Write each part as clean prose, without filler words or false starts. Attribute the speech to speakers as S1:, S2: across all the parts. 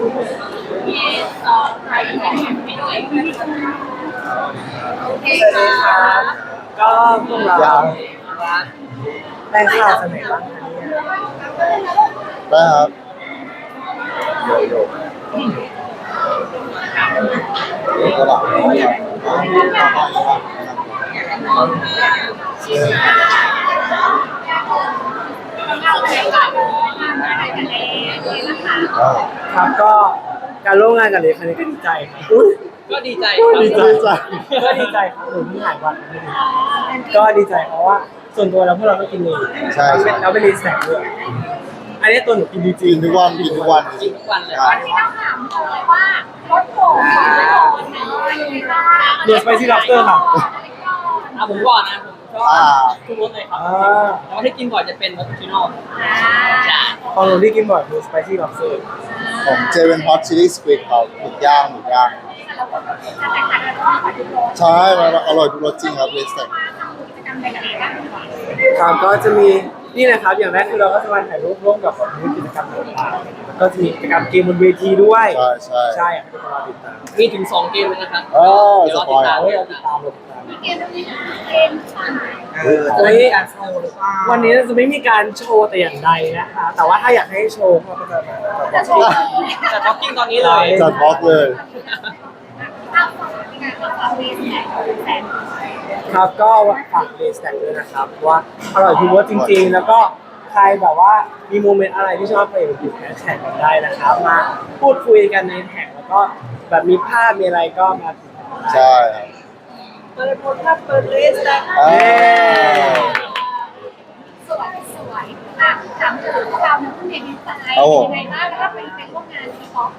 S1: มีใครที่เห็นไม่ด้วยโอเค
S2: สวัสดีค
S1: ค่ะ
S2: รับก็พวกเราแรงข่าวสมัยบ้างคะเนี่ย
S3: ได้ครับก็หลับ
S2: ครับก็การร่วมงานกับเลครั้งนี้ก็ดีใจครับอุ้ย
S4: ก็ดีใจ
S3: ดีใจใจ
S2: ก็ดีใจครับหนูเพิ่งหายวันไม่ดีก็ดีใจเพราะว่าส่วนตัวเราพวกเราก็กินเอง
S3: ใช่
S2: เราไปรีสแต็กด้วยอันนี้ตัวหนูกินจริ
S3: กิ
S2: ง
S3: นทุกวันกินทุกวัน
S4: กินทุกวันเลย
S1: วันนี้ต้องถามเลยว่ารถโผล่ของ
S2: ๆเดือดไปที่ล็อบสเตอร์ค่ะ
S4: ผมก่อนนะผมชอบทุกรสเลยครับแต่ว่าที่กินบ่อยจะเป็นรสชิโน่ใช่
S2: ของหนูที่กินบ่อยคือสไปซี่ล็อบสเตอร์
S3: ผมเจเป็นฮอตชิลลี่สควิดครับหมึกย่างหมึกย่างใช่มันอร่อยทุกรสจริงครับเลสเต็ก
S2: ครับก็จะมีนี่นะครับอย่างแรกคือเราก็จะมาถ่ายรูปร่วมกับแบบกิจกรรมต่างๆแล้วก็จะมีกิจกรรมเกมบนเวทีด้วย
S3: ใช่ใช่
S2: ใช่อยากให้ทุกคนรอติดตาม
S4: มีถึง2เกมเลยนะครับ
S3: อ๋อ
S4: เดี๋ยว
S3: ส
S4: รอ
S3: ป
S4: ติ
S3: อ
S4: ด
S3: ย
S4: ตาม
S2: เฮ้ยเราติดตามเราติดตาม
S1: เกมนี้เกมผ่าน
S2: วันนี้การโชว์หรือเปล่าวันนี้เราจะไม่มีการโชว์แต่อย่างใดนะคะ แต่ว่าถ้าอยากให้โชว์เราก็จะ
S1: จะโชว์
S4: จะท็อกกิ้งตอนนี้เลย
S3: จัดบล็อกเลย
S1: เอาของงานของเวสเนี่ยแฟน
S2: ครับก็ฝากเดสแต็กด้วยนะครับว่าอร่อยทุกรสจริงๆ แล้วก็ใครแบบว่ามีโมเมนต์อะไรที่ชอบไปติดแฮชแท็กกันได้นะครับมาพูดคุยกันในแท็กแล้วก็แบบมีภาพมีอะไรก็มาติดต่อได้
S3: ใช่ครับ
S2: เปิดโพสต์ครับเปิดเลสแต็ก
S3: อ่า
S1: สวยอ่ะถามถึงพวกเราเนี่ยคุณเด็กดีไซน์ยังไงบ้างแล้วก็เป็นร่วมงานที่ท็อป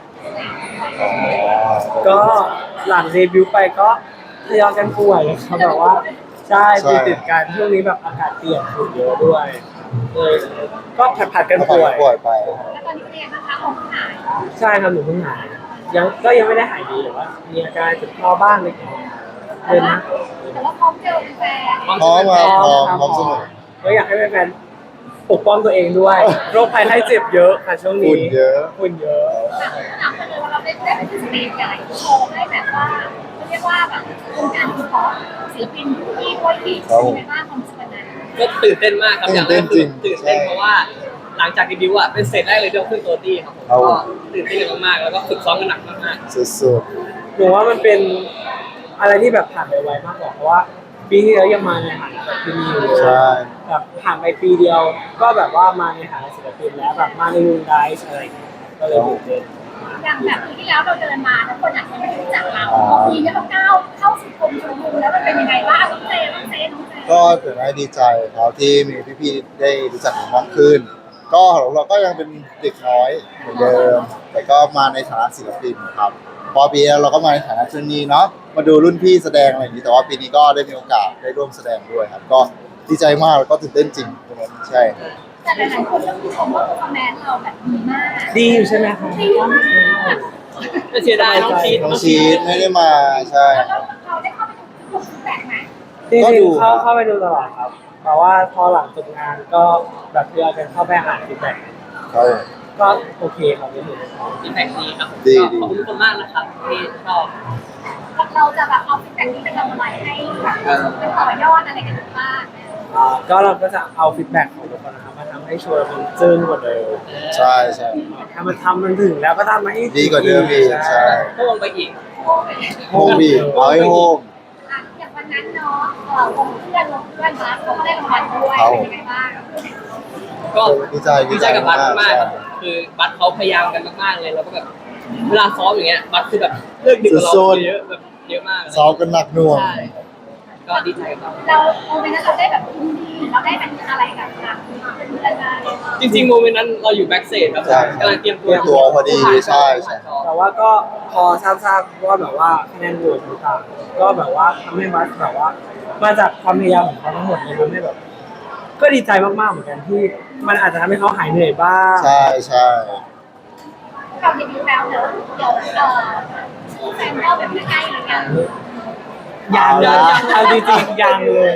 S2: ก็หลังเดบิวต์ไปก็ทยอยกันป่วยครับแบบว่าใช่ติดกันช่วงนี้แบบอากาศเปลี่ยนฝุ่นเยอะด้วยเลยก็ผัดกันป่วย
S3: ป่วยไป
S1: แล้วตอนนี้เป็นยังไงบ้างคะของหาย
S2: ใช่ครับหนูเพิ่งหายยังไม่ได้หายดีแต่ว่ามีอาการเจ็บคอบ้างเล็กน้อยเดินนะ
S1: แต่ว่าพร้อมเจอแฟน
S3: พร้อมครับพร้อมเสมอ
S2: ก็อยากให้แฟนๆปกป้องตัวเองด้วยโรคภัยไข้เจ็บเยอะค่ะช่วงนี้
S3: ฝุ่นเยอะ
S2: ฝุ่นเยอะ
S1: ถามกันเลยว่าเราได้ไปที่สเตจใหญ่โชว์ให้แบบว่าเรียกว่าแบบวงการที่ท็อปศิลปินที่โวยที่ในบ้านความสุขนั้น
S4: ก็ตื่นเต้นมากครับอย่างแรกคือ
S3: ตื่
S4: ตื่
S3: น
S4: น
S3: เต้
S4: เต้
S3: น
S4: น
S3: จริง
S4: เพราะว่าหลังจากเดบิวต์อ่ะเป็นสเตจแรกเลยที่เราขึ้นโตตี้ครับผม
S3: ครับผม
S4: ก็ตื่นเต้นกันมากๆแล้วก็ฝึกซ้อมกันหนักมาก
S3: สุด
S2: หนูว่ามันเป็นอะไรที่แบบผ่านไปไวมากกว่าเพราะว่าปีที่แล้วยังมาในฐานะแบบที่มีอยู่เลย
S3: ๆใช่
S2: แบบผ่านไปปีเดียว ก็แบบว่ามาในฐานะศิลปินแล้วแบบมาในวงไดซ์อะไรอย่างเงี้ยก็เลยตื่นเต้น
S1: อย่างแบบปีที่แล้วเราเดินมาแล้วคนอาจจะไม่รู้จักเราปีนี้เราก้าวเข้าสู่กรมชลบุรีแล้วมันเป็นยังไงบ้างน้องเจน้องเจน้องเจ
S3: ก็ถือว่าดีใจครับที่มีพี่ๆได้รู้จักผมมากขึ้น ก็เราก็ยังเป็นเด็กน้อยเหมือนเดิม แต่ก็มาในฐานะศิลปินครับ พอปีแล้วเราก็มาในฐานะเทรนนีเนาะมาดูรุ่นพี่แสดงอะไรอย่างนี้แต่ว่าปีนี้ก็ได้มีโอกาสได้ร่วมแสดงด้วยครับ ก็ดีใจมากแล้วก็ตื่นเต้นจริงตรงนั้นใช่
S1: แต่หลายๆคนเริ่มชมว่าตัวแมนเราแบบดีมาก
S2: ดีอยู่ใช่ไหมคะ
S4: ๆไม่เสียดายน้องชีส
S3: น้องชีสไม่ได้มาใช่
S1: แล้วเราได้เข้าไปดูฟีดแบ็กไหม
S2: จริง
S3: ก็ดู
S2: ๆเข้าไปดูตลอดครับแต่ว่าพอหลังจบงานก็แบบเพื่อกันเข้าไปอ่านฟีดแบ็ก
S3: ครับ
S2: ก็โอเคครับไม่ถึง
S4: ฟีดแบ็กดีครับ
S3: ดี
S4: ขอบคุณทุกคนมากนะครับที่ชอบ
S1: เราจะแบบเอาฟีดแบ็กนี้ไปทำอะไรให้แบบเป็นต่อยอดอะไรกันบ้าง
S2: ก็เราก็จะเอาฟีดแบ็กของทุกคนนะครับมาทำให้โชว์มันจึ้งกว่าเดิม
S3: ใช่ใช่
S2: ถ้ามันทำมันถึงแล้วก็ทำให้
S3: ดีกว่าเดิมอีกใช่
S4: ก็วงไปอีก
S3: โฮมบีเอาให้โฮม
S1: อย่างวันนั้นเนาะวงเพื่อนนะเขาก็ได้รางวัลด้วยเป็นยังไงบ้าง
S4: ก็
S3: ดีใจ
S4: ดีใจกับบัสมากๆครับ
S3: ใช่
S4: คือบัสเขาพยายามกันมากๆเลยแล้วก็แบบเวลาซ้อมอย่างเงี้ยบัสคือแบบเลิกดึกกว่าเราเยอะแบบเยอะมาก
S3: ซ้อมกันหนักหน่วง
S4: ใช่ก็ดีใจกับเรา
S1: เราโมเมนต์นั้นเราได้แบบยินดีเราได้เป็นอะไรกับทางเป็นเพื่อนกัน
S4: จริงๆโมเมนต์นั้นเราอยู่แบ็กเซจครับ
S3: ใช่
S4: กำลังเตรียมตัว
S3: เตรียมตัวพอดีใช่ใช่
S2: แต่ว่าก็พอทราบว่าแบบว่าคะแนนโหวตต่างๆก็แบบว่าทำให้บัสแบบว่า มาจากความพยายามของเขาทั้งหมดเลยทำให้แบบ ก็ดีใจมากๆเหมือนกันที่มันอาจจะทำให้เขาหายเหนื่อยบ้าง
S3: ใช่ใช่
S1: เราเดบิวต์แล้วเนอะเดี๋ยวชื่อแฟนเราแบบไม่ใกล้หรือยัง
S2: ยังเอาจริงๆยังเลย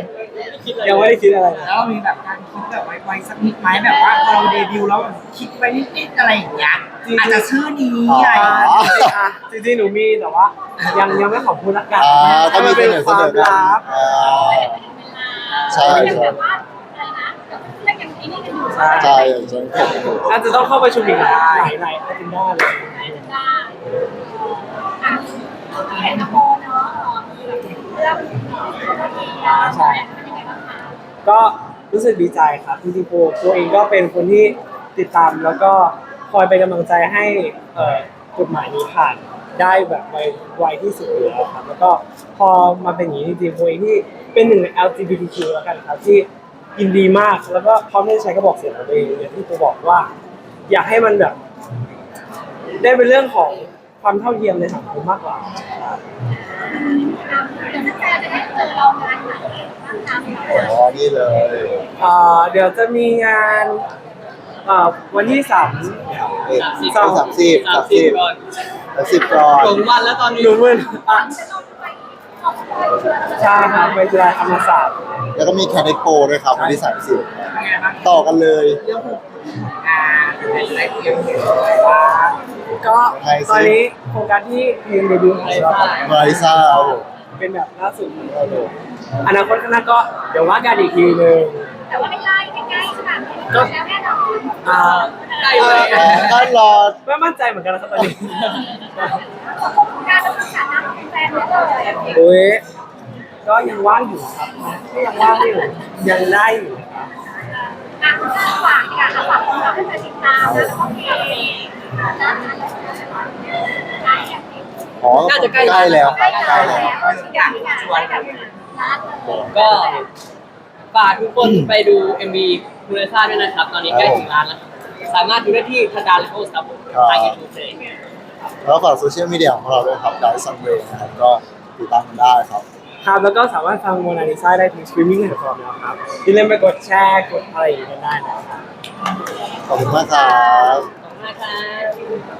S4: คิดเลย
S2: ยังไม่ได้คิดอะไรนะ
S5: แล้วมีแบบการคิดแบบไว้สักนิดไหมแบบว่าพอเราเดบิวต์แล้วแบบคิดไว้นิดๆอะไรอย่างเงี้ยอาจจะชื่อนี้อะไรอย่างเงี้ย
S2: จริงๆหนูมีแต่ว่ายังไม่ขอพูดละกัน
S3: ก็มี
S2: เป็น
S3: เส
S2: ความ
S3: นอกัน
S2: ลับ
S3: ใช่
S1: ยัง
S3: ใช่
S1: แบบว่าอะไรนะเรื่องยังไอ้นี่กันอยู่
S2: ใช่
S3: ใช่ใช่ครับ
S2: อาจจะต้องเข้าประชุมอีกหลายอาทิตย์หน้าเลย
S1: ได้เห็นนะโมเนาะเรื่องใช่เป็นยังไงบ้างคะ
S2: ก็รู้สึกดีใจครับจริงๆโปเองก็เป็นคนที่ติดตามแล้วก็คอยเป็นกำลังใจให้กฎหมายนี้ผ่านได้แบบไวที่สุดอยู่แล้วครับแล้วก็พอมาเป็นอย่างนี้จริงๆโปเองที่เป็นหนึ่งใน LGBTQ แล้วกันครับที่ยินดีมากแล้วก็พร้อมที่จะใช้กระบอกเสียงของตัวเองอย่างที่โปบอกว่า อยากให้มันแบบ ได้เป็นเรื่องของความเท่าเทียมในสังคมมากกว่าครับ
S1: เดี๋ยวแฟนจะได้เจอเรางานไหนบ้างคะ
S3: อ๋อนี่เลย
S2: เดี๋ยวจะมีงานวันที่3
S3: 30
S4: ก่อน
S3: 30ก่อน
S4: หลงวันแล้วตอนนี้
S2: หนูมึน
S1: จะต้องไปออกไปเชื่อ
S2: ใช่ครับไปจุฬาธรรมศาสตร์
S3: แล้วก็มีแคนิโปด้วยครับวันที่30ต่อกันเลย
S5: เรื่องของงานอะไรเกี่ยวกับว่า
S2: ก็ตอนนี้โครงการที่เพลงเดบิวต์ของเรา
S3: มาริซ่าครับผม
S2: เป็นแบบล่าสุดของเราเลยอนาคตข้างหน้าก็เดี๋ยวว่ากันอีกทีนึง
S1: แต่ว่าไม่ใกล้ขนาดนี้แล้วแน่นอน
S4: ใกล้เลย
S3: ท่านรอ
S2: ไม่มั่นใจเหมือนกันนะครับตอนนี้
S1: การต้องศึกษาน้ำเป็นแฟนเลย
S2: โอ้ยก็ยังว่างอยู่ครับก็ยังว่างอยู่ยังได้อยู่ครับ
S1: ฝากค่ะฝากคนเราให้มาติดตามนะโอเค
S3: อ๋อใกล้แล้วครับใกล้แล้ว
S1: อยากชวนแบบร้านเลย
S4: ก็ฝากทุกคนไปดู MV มูเลซ่าด้วยนะครับ ตอนนี้ใกล้ถึงร้านแล้วสามารถดูได้ที่ทันดาเลโอสครับผมทาง YouTube เลย
S3: แล้วฝากโซเชียลมีเดียของเราด้วยครับได้ซันเวย์นะครับก็ติดตามกันได้ครับ
S2: ครับแล้วก็สามารถฟังโมนาลิซาได้ที่สตรีมมิ่งแพลตฟอร์มแล้วครับอย่าลืมไปกดแชร์กดอะไรอย่างเงี้ยกันได้นะครับ
S3: ขอบคุณมากครับ
S4: ขอบคุณมากครับ